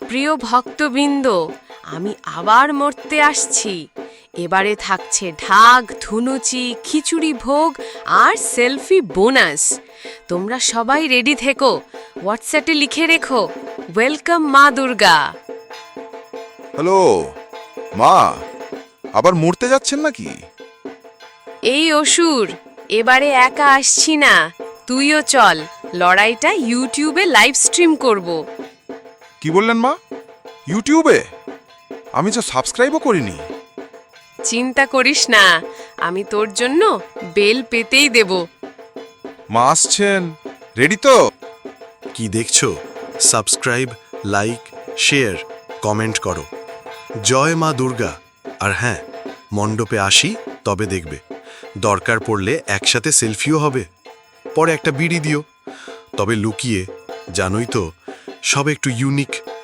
প্রিয় ভক্তবৃন্দ, আমি আবার মরতে আসছি। এবারে থাকছে ঢাক, ধুনুচি, খিচুড়ি ভোগ আর সেলফি বোনাস। তোমরা সবাই রেডি থেকো, হোয়াটসঅ্যাপে লিখে রেখো, ওয়েলকাম মা দুর্গা। হ্যালো মা, আবার মরতে যাচ্ছেন নাকি? এই অসুর, এবারে একা আসছি না, তুইও চল। লড়াইটা ইউটিউবে লাইভ স্ট্রিম করব। কি বললেন মা? ইউটিউবে? আমি তো সাবস্ক্রাইবও করিনি। চিন্তা করিস না, আমি তোর জন্য বেল পেতেই দেব। মা আসছেন, রেডি তো? কি দেখছো? সাবস্ক্রাইব, লাইক, শেয়ার, কমেন্ট করো। জয় মা দুর্গা। আর হ্যাঁ, মণ্ডপে আসি তবে দেখবে, দরকার পড়লে একসাথে সেলফিও হবে। পরে একটা বিড়ি দিও, তবে লুকিয়ে। জানোই তো, সব একটু ইউনিক